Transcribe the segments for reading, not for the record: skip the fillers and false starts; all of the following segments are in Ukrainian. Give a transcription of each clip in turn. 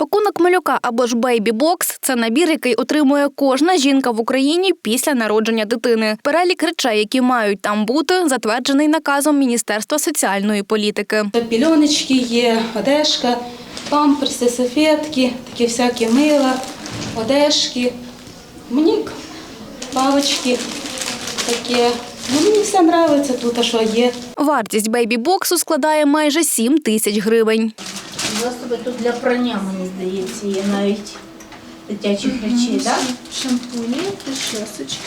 Пакунок малюка або ж бейбі-бокс – це набір, який отримує кожна жінка в Україні після народження дитини. Перелік речей, які мають там бути, затверджений наказом Міністерства соціальної політики. Пільоночки є, одежка, памперси, салфетки, такі всякі мила, одежки. Мені палички такі. Мені все подобається тут, що є. Вартість бейбі-боксу складає майже 7 тисяч гривень. Засоби тут для прання, мені здається, є навіть дитячих речей, так? Шампуні, причесочки.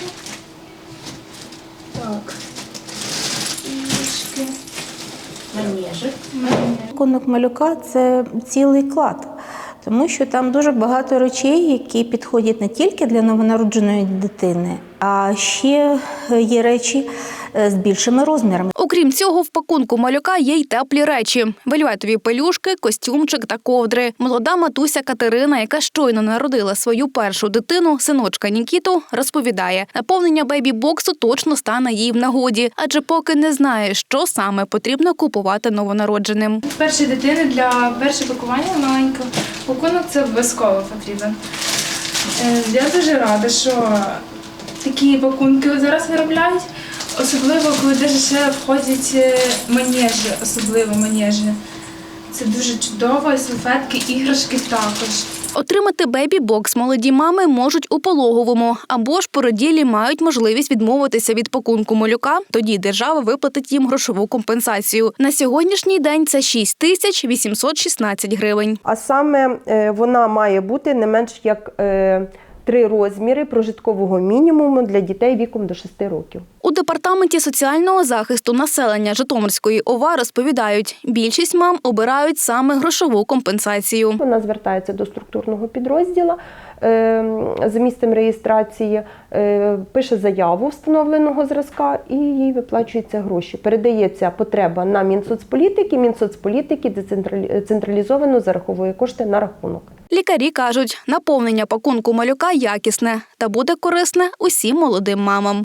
Так. Іграшки. Манежик. Пакунок малюка – це цілий клад, тому що там дуже багато речей, які підходять не тільки для новонародженої дитини, а ще є речі з більшими розмірами. Окрім цього, в пакунку малюка є й теплі речі – вельветові пелюшки, костюмчик та ковдри. Молода матуся Катерина, яка щойно народила свою першу дитину, синочка Нікіту, розповідає, наповнення бейбі-боксу точно стане їй в нагоді, адже поки не знає, що саме потрібно купувати новонародженим. Першої дитини для першого пакування маленького пакунок це обов'язково потрібен. Я дуже рада, що такі пакунки зараз виробляють, особливо коли ще входять манежі, особливо манежі. Це дуже чудово, і салфетки, іграшки також. Отримати бейбі-бокс молоді мами можуть у пологовому, або ж породілі мають можливість відмовитися від пакунку малюка, тоді держава виплатить їм грошову компенсацію. На сьогоднішній день це 6 тисяч 816 гривень. А саме вона має бути не менш як 3 розміри прожиткового мінімуму для дітей віком до 6 років. У Департаменті соціального захисту населення Житомирської ОВА розповідають, більшість мам обирають саме грошову компенсацію. Вона звертається до структурного підрозділу за місцем реєстрації, пише заяву встановленого зразка і їй виплачуються гроші. Передається потреба на Мінсоцполітики, Мінсоцполітики централізовано зараховує кошти на рахунок. Лікарі кажуть, наповнення пакунку малюка якісне та буде корисне усім молодим мамам.